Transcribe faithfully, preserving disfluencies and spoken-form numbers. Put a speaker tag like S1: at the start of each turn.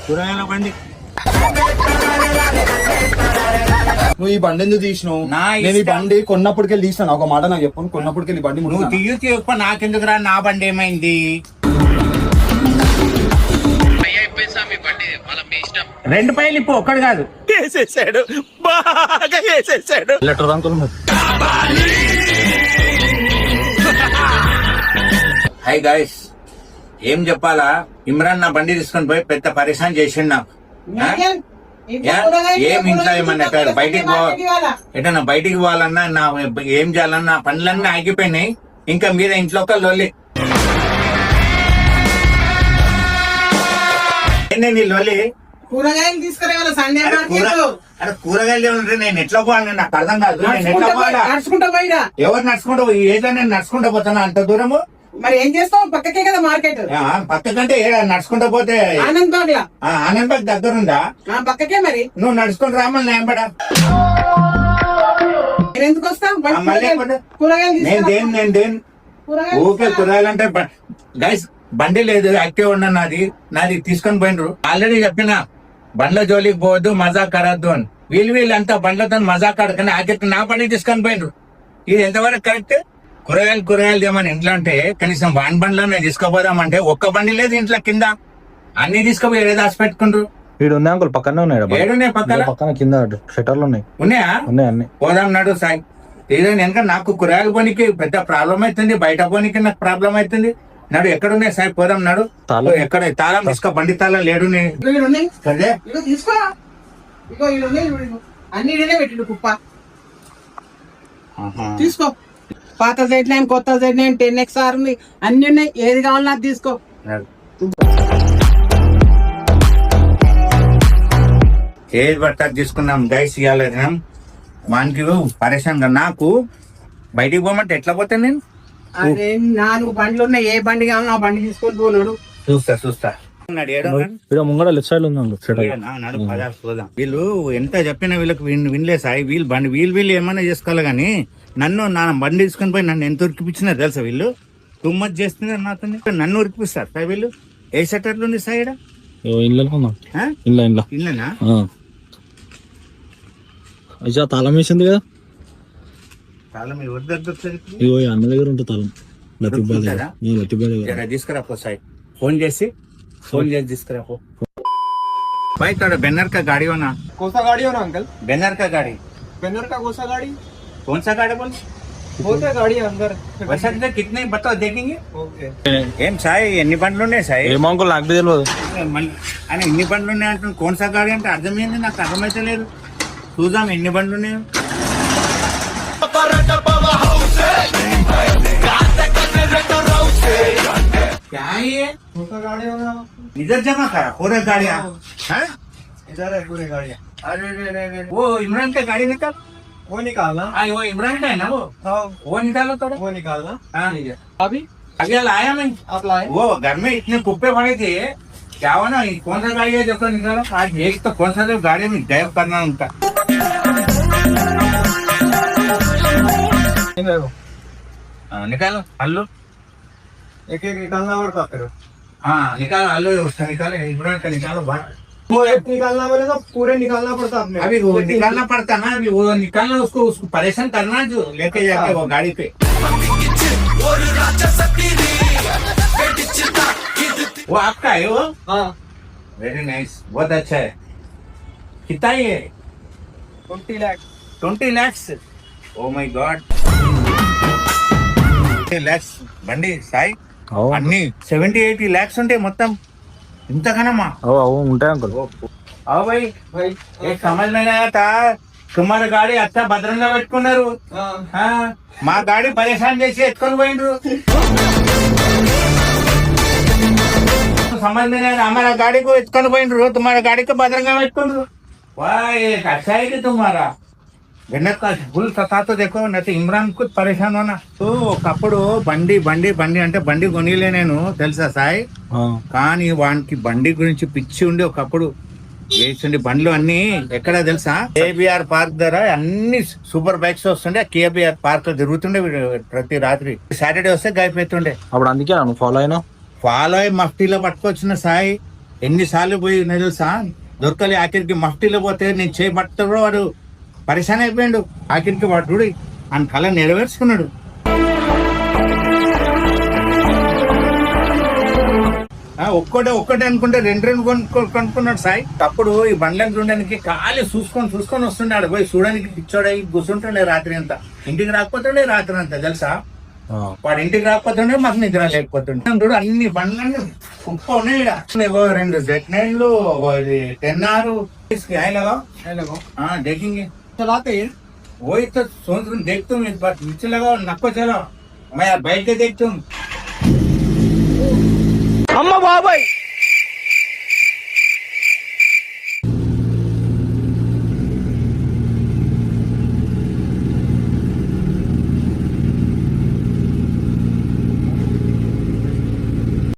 S1: కూరగాయల బండి.
S2: నువ్వు ఈ బండి ఎందుకు తీసినావు? నేను ఈ బండి కొన్నప్పటికెళ్ళి తీసినా. ఒక మాట నాకు చెప్పను, కొన్నప్పటికెళ్ళి బండి
S1: నువ్వు తీయు తీయప్ప నాకెందుకు రా, నా బండి ఏమైంది? రెండు పైలు ఇప్పుడు ఒక్కడు కాదు
S3: వేసేసాడు, బాగా వేసేసాడు.
S2: Letter uncle.
S1: హై గాయస్, ఏం చెప్పాలా? ఇమ్రాన్ నా బండి తీసుకొని పోయి పెద్ద పరిశాన్ చేసిండు నాకు. ఏం ఇంట్లో ఏమన్నా బయటికి పో ఎటన్నా బయటికి పోవాలన్నా నా ఏం చేయాలన్నా పనులన్నీ ఆగిపోయినాయి. ఇంకా మీద ఇంట్లో ఒక లొల్లి. ఏంటండి లొల్లి?
S4: కూరగాయలు తీసుకురావాలి సండే
S1: అరే కూరగాయలు ఉంటే నేను ఎట్లా పోవాలి? నాకు అర్థం కాదు. నేను ఎట్లా పోవాలా?
S4: నడుచుకుంటా పోయినా.
S1: ఎవరు నడుచుకుంటా పోయి ఏదో నేను నడుచుకుంటా పోతాను అంత దూరము.
S4: మరి ఏం చేస్తావు? పక్కకే కదా మార్కెట్.
S1: పక్కకంటే నడుచుకుంటా పోతే
S4: ఆనంద్ బాగ్ లా.
S1: ఆనంద్ బాగ్ దగ్గర ఉందా?
S4: పక్కకే. మరి
S1: నువ్వు నడుచుకుని రామని నేంబడా
S4: ఎందుకు వస్తావు?
S1: నేను దేని నేను దేని ఊకే కూరగాయలు అంటే గైస్ బండి లేదు, యాక్టివ్ ఉన్నా నాది నాది తీసుకొని పోయినరు. ఆల్రెడీ చెప్పిన బండ్ల జోలికి పోవద్దు, మజా కరద్దు అని. వీళ్ళు వీళ్ళంతా బండ్లతో మజా కడకని ఆఖరికి నా బండి తీసుకొని పోయినరు. ఇది ఎంతవరకు కరెక్ట్? కూరగాయలు కూరగాయలు ఏమని ఇంట్లో అంటే కనీసం వాన్ బండ్లోనే తీసుకోపోదామంటే ఒక్క బండి లేదు ఇంట్లో. కింద అన్ని తీసుకుపోయి ఏదో దాచి పెట్టుకుంటారు.
S2: వీడు ఉన్నాయి అంకుల్, పక్కనే ఉన్నాయి.
S1: ఏడున్నాయి పక్కన
S2: పక్కన కింద షట్టర్లు ఉన్నాయి.
S1: ఉన్నాయా?
S2: ఉన్నాయి అన్ని.
S1: పోదాం నడు సాయి. ఏదో వెనక నాకు కూరగాయలు పోనీకి పెద్ద ప్రాబ్లం అవుతుంది, బయట పోనీకి నాకు ప్రాబ్లం అవుతుంది. నడు ఎక్కడున్నాయి సాయి, పోదాం నడు. ఎక్కడ తాళం తీసుకో, బండి తాళం లేడు.
S4: తీసుకో, అన్ని పెట్టిండు కుప్ప. తీసుకో. పాత సైడ్ లైన్, కొత్త side line, ten X R ఉంది, అన్ని ఉన్నాయి. ఏది కావాలన్నా అది తీసుకో.
S1: ఏది పడతా తీసుకున్నాం గైస్. ఇవ్వాలి వానికి పరేషాన్ గా. నాకు బయటికి పోమంటే ఎట్లా పోతాను నేను?
S4: అదే నాలుగు బండ్లు ఉన్నాయి, ఏ బండి కావాలన్నా ఆ బండి తీసుకొని పోనాడు.
S1: చూస్తా చూస్తా.
S2: ముంగడ లెఫ్ట్ సైడ్ ఉంది.
S1: వీళ్ళు ఎంత చెప్పినా వీళ్ళకి వినలే సాయి. వీళ్ళు బండి వీళ్ళు వీళ్ళు ఏమైనా చేసుకోవాలి కానీ నన్ను నా బండి తీసుకొని పోయి నన్ను ఎంత ఉరికిపించినా తెలుసా? వీళ్ళు తుమ్మత్ చేస్తున్నారు నాతో. నన్ను ఉరికిపిస్తారు సాయి వీళ్ళు. ఏ సెటర్లు ఉంది సాయి? ఇల్లేనా?
S2: అయ్యా తాళం వేసింది కదా.
S1: తాళం ఎవరి దగ్గర?
S2: ఇగో అన్న దగ్గర ఉంటుంది తాళం.
S1: తీసుకురా పో సాయి. ఫోన్ చేసి फोन ले जिस तरह को भाई थोड़ा बैनर का गाड़ी हो ना?
S5: कौन सा गाड़ी हो ना अंकल?
S1: बैनर का गाड़ी.
S5: बैनर का कौन सा गाड़ी?
S1: कौन सा गाड़ी बोल?
S5: बहुत है गाड़ी अंदर.
S1: वैसा कितने बताओ देखेंगे.
S5: ओके.
S1: ఏం సాయి ఎన్ని బండ్లు ఉన్నాయి సాయి?
S2: ఏమో అంకుల్ నాకు తెలియదు.
S1: అని ఎన్ని బండ్లు ఉన్నాయి అంటే కోన్ సా గాడి అంటే అర్థమైంది నాకు, అర్థమైతే లేదు. చూద్దాం ఎన్ని బండ్లు ఉన్నాయో. क्या है ये?
S5: गाड़ी हो ना?
S1: इधर जमा करा पूरे गाड़ियाँ.
S5: इधर है पूरे गाड़ियाँ.
S1: अरे अरे अरे वो इमरान का गाड़ी निकाल.
S5: वो निकालना.
S1: हाँ वो इमरान का है ना वो.
S5: हाँ
S1: वो निकालो थोड़ा.
S5: वो निकालना.
S1: हाँ
S5: अभी
S1: अभी लाया मैं.
S5: आप लाए?
S1: वो घर में इतने कुप्पे पड़े थे, क्या हुआ ना, कौन सा गाड़ी है जो तो निकालो. आज एक तो कौन सा जो गाड़ी में ड्राइव करना उनका. निकालो हल्लो.
S5: एक एक निकालना पड़ता फिर.
S1: हाँ निकालो हल्लो, उसका निकालो, इमरान का निकालो बाहर.
S5: वो एक निकालना बोले तो पूरे निकालना पड़ता अपने.
S1: अभी वो निकालना पड़ता ना, अभी वो निकालना, उसको उसको परेशान करना जो लेके जाके वो गाड़ी पे. वो आपका है वो?
S5: हाँ.
S1: वेरी नाइस, बहुत अच्छा है. कितना ये?
S5: Twenty lakh.
S1: Twenty lakhs. Oh my god. Lakhs బండి సాయి అన్ని సెవెంటీ ఎయిటీ ల్యాక్స్ ఉంటాయి మొత్తం. ఇంతకనమ్మా?
S2: ఉంటాయి అంకుల్.
S1: आओ भाई भाई एक समझ में नहीं आता. तुम्हारी गाड़ी अच्छा భద్రంగా పెట్టుకున్నారు. మా గాడి పరేషాన్ చేసి ఎత్తుకొని పోయిండ్రు. समझ में नहीं हमारा गाड़ी को ఎత్తుకొని పోయిండ్రు, तुम्हारा गाड़ी को భద్రంగా పెట్టుకున్నారు. वाह एक अच्छा है तुम्हारा. వెనక ఫుల్ సతాతో देखो నైతే ఇమ్రాన్ కు పరేషాన్ होना. तो ఒకప్పుడు బండి బండి బండి అంటే బండి కొనిలే నేను తెలుసా సాయి. కానీ వానికి బండి గురించి పిచ్చి ఉండి ఒకప్పుడు వేసిండి. బండ్లు అన్ని ఎక్కడ తెలుసా? కేబిఆర్ పార్క్ దగ్గర అన్ని సూపర్ బైక్స్ వస్తుండే. కేబిఆర్ పార్క్ తిరుగుతుండే ప్రతి రాత్రి. సాటర్డే వస్తే గైపోతుండే.
S2: అప్పుడు అందుకే ఫాలో అయినా.
S1: ఫాలో అయ్యి మఫ్టీలో పట్టుకొచ్చిన సాయి. ఎన్నిసార్లు పోయి నేను తెలుసా దొరకలే ఆఖరికి మఫ్టీలో పోతే నేను చేపట్టడు వాడు పరిశాన్ అయిపోయాడు. ఆఖరికి వాడు చూడు ఆయన కళ నెరవేర్చుకున్నాడు. ఆ, ఒక్కటే ఒక్కటే అనుకుంటే రెండు రెండు కొనుక్కో కొనుక్కున్నాడు సాయి. అప్పుడు ఈ బండ్లను చూడడానికి ఖాళీ చూసుకొని చూసుకొని వస్తుండే పోయి చూడడానికి పిచ్చోడై కూర్చుంటుండే రాత్రి అంతా. ఇంటికి రాకపోతుండే రాత్రి అంతా తెలుసా. వాడు ఇంటికి రాకపోతుండే మాకు నిద్ర లేకపోతుండే. చూడు అన్ని బండ్లన్నీ కుప్ప ఉన్నాయి ఈడ. ఏవో రెండు జెట్ నైన్లు టెన్ ఆరు देखेंगे
S4: चलाते हैं
S1: वही तो सोच रहा देखता हूँ इस बार नीचे लगाओ नको चलो मैं यार बैठ के देखता हूँ.
S3: అమ్మ బాబాయ్